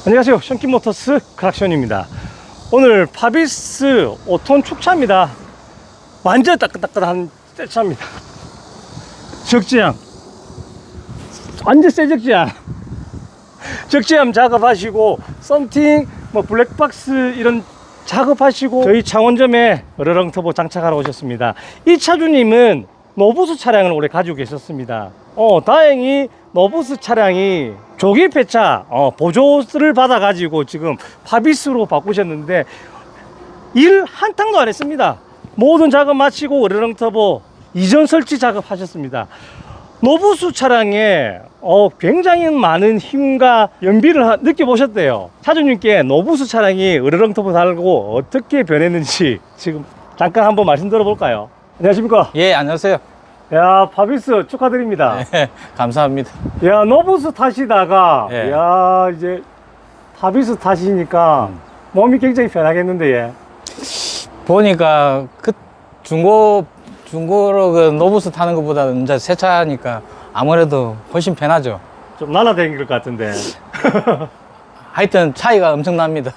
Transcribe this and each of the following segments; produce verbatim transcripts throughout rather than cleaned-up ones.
안녕하세요, 션킨모터스 크락션입니다. 오늘 파비스 오 톤 축차입니다. 완전 따끈따끈한 새 차입니다. 적재함, 완전 새 적재함. 적재함 작업하시고 썬팅, 뭐 블랙박스 이런 작업하시고 저희 창원점에 으르렁 터보 장착하러 오셨습니다. 이 차주님은 노부스 차량을 오래 가지고 계셨습니다. 어 다행히 노부스 차량이 조기 폐차 어, 보조를 받아 가지고 지금 파비스로 바꾸셨는데 일 한탕도 안 했습니다. 모든 작업 마치고 으르렁 터보 이전 설치 작업하셨습니다. 노부스 차량에 어, 굉장히 많은 힘과 연비를 하, 느껴보셨대요. 차주님께 노부스 차량이 으르렁 터보 달고 어떻게 변했는지 지금 잠깐 한번 말씀 들어볼까요? 안녕하십니까? 예, 안녕하세요. 야, 파비스 축하드립니다. 예, 감사합니다. 야, 노부스 타시다가 예. 야, 이제 파비스 타시니까 음. 몸이 굉장히 편하겠는데. 예. 보니까 그 중고 중고로 그 노부스 타는 것보다는 이제 새 차니까 아무래도 훨씬 편하죠. 좀 날아다닐 것 같은데. 하여튼 차이가 엄청납니다.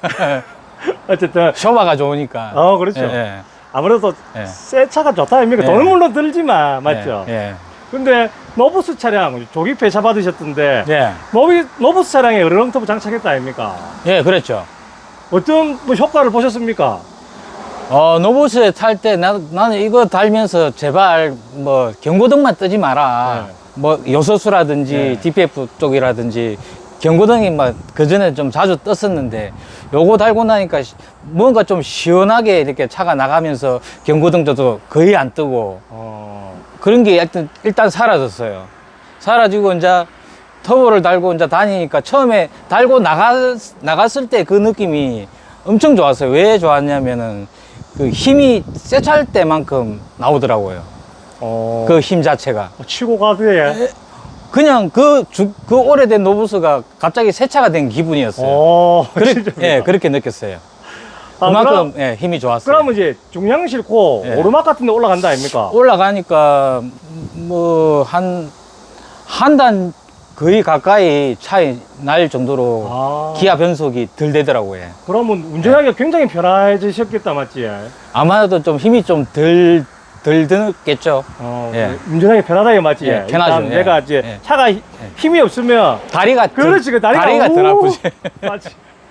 어쨌든 쇼바가 좋으니까. 어, 그렇죠. 예, 아무래도 예. 새 차가 좋다 아닙니까? 예. 돈은 물론 들지만 맞죠? 예, 예. 근데 노부스 차량 조기 폐차 받으셨던데 예, 노비, 노부스 차량에 으르렁 터보 장착했다 아닙니까? 예, 그랬죠. 어떤 뭐 효과를 보셨습니까? 어, 노부스에 탈 때 나는 이거 달면서 제발 뭐 경고등만 뜨지 마라. 네. 뭐 요소수라든지 네. 디피에프 쪽이라든지 경고등이 막 그전에 좀 자주 떴었는데 요거 달고 나니까 시- 뭔가 좀 시원하게 이렇게 차가 나가면서 경고등도 거의 안 뜨고 어... 그런 게 일단, 일단 사라졌어요. 사라지고 이제 터보를 달고 이제 다니니까 처음에 달고 나가, 나갔을 때 그 느낌이 엄청 좋았어요. 왜 좋았냐면은 그 힘이 세차할 때만큼 나오더라고요. 어... 그 힘 자체가. 치고 가세요. 그냥 그, 주, 그 오래된 노부스가 갑자기 세차가 된 기분이었어요. 어... 그래, 진짜입니까? 예, 그렇게 느꼈어요. 아, 그만큼 그럼, 예, 힘이 좋았어요. 그러면 이제 중량 싣고 예. 오르막 같은 데 올라간다 아닙니까? 올라가니까 뭐 한 한 단 거의 가까이 차이 날 정도로 아... 기아 변속이 덜 되더라고요. 그러면 운전하기가 굉장히 편해지셨겠다 맞지? 아마도 좀 힘이 좀 덜 덜 드겠죠. 어, 예. 운전하기 편하다 이 맞지? 예, 편하죠. 일단 예. 내가 이제 예. 차가 히- 힘이 없으면 다리가 그렇지, 그 다리가, 다리가 덜 우- 아프지. 맞지?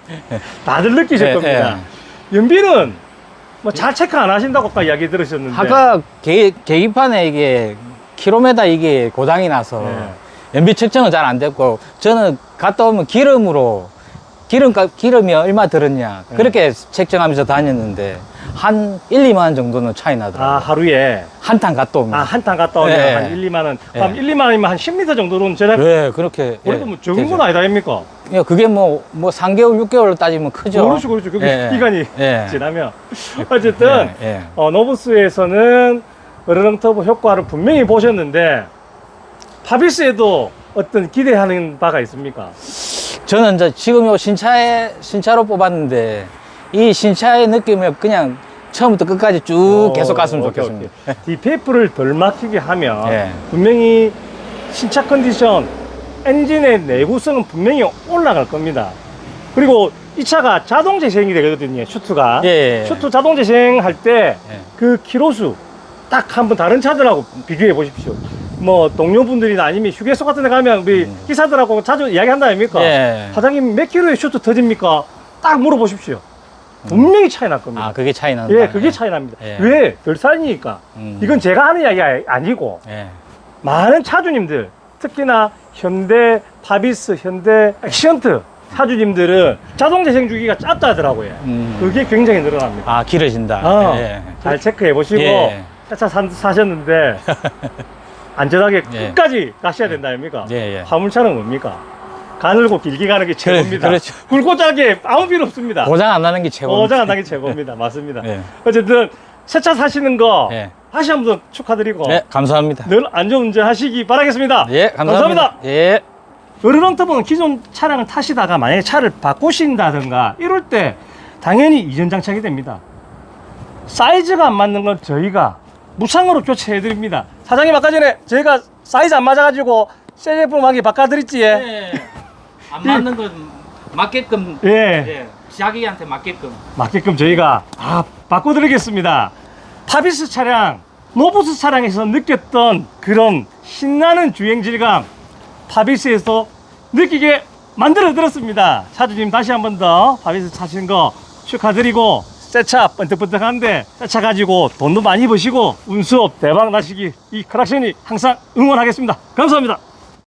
다들 느끼실 예, 겁니다. 연비는 뭐 잘 체크 안 하신다고 아까 이야기 들으셨는데. 아까 계, 계기판에 이게 킬로미터 이게 고장이 나서 예. 연비 측정은 잘 안 됐고 저는 갔다 오면 기름으로 기름값 기름이 얼마 들었냐 예. 그렇게 책정하면서 다녔는데 한 일, 이만 원 정도는 차이 나더라고요. 아, 하루에 한 탄 갔다 오면. 아, 한 탄 갔다 오면 예. 한 일, 이만 원. 예. 그럼 일, 이만 원이면 한 십 미터 정도는 제작. 네, 그렇게. 그래도 예, 뭐 적은 되죠. 건 아니다 아닙니까? 예, 그게 뭐, 뭐, 삼 개월, 육 개월 따지면 크죠. 그렇죠, 그렇죠. 그게 예, 기간이 예. 지나면. 어쨌든, 예, 예. 어, 노부스에서는 으르렁 터보 효과를 분명히 보셨는데, 파비스에도 어떤 기대하는 바가 있습니까? 저는 이제 지금 요 신차에, 신차로 뽑았는데, 이 신차의 느낌을 그냥 처음부터 끝까지 쭉 어, 계속 갔으면 오케이, 좋겠습니다. 오케이. 디피에프를 덜 막히게 하면 예. 분명히 신차 컨디션, 엔진의 내구성은 분명히 올라갈 겁니다. 그리고 이 차가 자동 재생이 되거든요, 슈트가. 예, 예. 슈트 자동 재생할 때 예. 그 키로수 딱 한번 다른 차들하고 비교해 보십시오. 뭐 동료분들이나 아니면 휴게소 같은 데 가면 우리 음. 기사들하고 자주 이야기한다 아닙니까? 예. 사장님 몇 킬로의 슈트 터집니까? 딱 물어보십시오. 분명히 차이 날 겁니다. 아, 그게 차이 난다. 예, 그게 차이 납니다. 예. 왜? 별산이니까. 음. 이건 제가 하는 이야기 아니고 예. 많은 차주님들, 특히나 현대 파비스, 현대 액션트 차주님들은 자동 재생 주기가 짧다 하더라고요. 음. 그게 굉장히 늘어납니다. 아, 길어진다. 어, 예. 잘 체크해 보시고 예. 차 사, 사셨는데 안전하게 예. 끝까지 가셔야 된다 아닙니까? 예, 예. 화물차는 뭡니까? 가늘고 길게 가는 게 최고입니다. 그렇죠. 굵고 짧게 아무 필요 없습니다. 고장 안 나는 게 최고입니다. 고장 안 나게 최고입니다. 맞습니다. 예. 어쨌든 새 차 사시는 거 예. 다시 한번 축하드리고 네, 감사합니다. 늘 안전운전 하시기 바라겠습니다. 예, 감사합니다. 예. 으르렁 터보는 기존 차량을 타시다가 만약에 차를 바꾸신다든가 이럴 때 당연히 이전 장착이 됩니다. 사이즈가 안 맞는 건 저희가 무상으로 교체해 드립니다. 사장님 아까 전에 저희가 사이즈 안 맞아가지고 새 제품 하게 바꿔드렸지. 예. 네. 안 맞는 건 맞게끔 예. 예, 자기한테 맞게끔. 맞게끔 저희가 다 바꿔드리겠습니다. 파비스 차량, 노부스 차량에서 느꼈던 그런 신나는 주행 질감 파비스에서 느끼게 만들어 드렸습니다. 차주님 다시 한 번 더 파비스 차신 거 축하드리고 새 차 번뜩번뜩한데 새 차 가지고 돈도 많이 버시고 운수업 대박 나시기 이 크락션이 항상 응원하겠습니다. 감사합니다.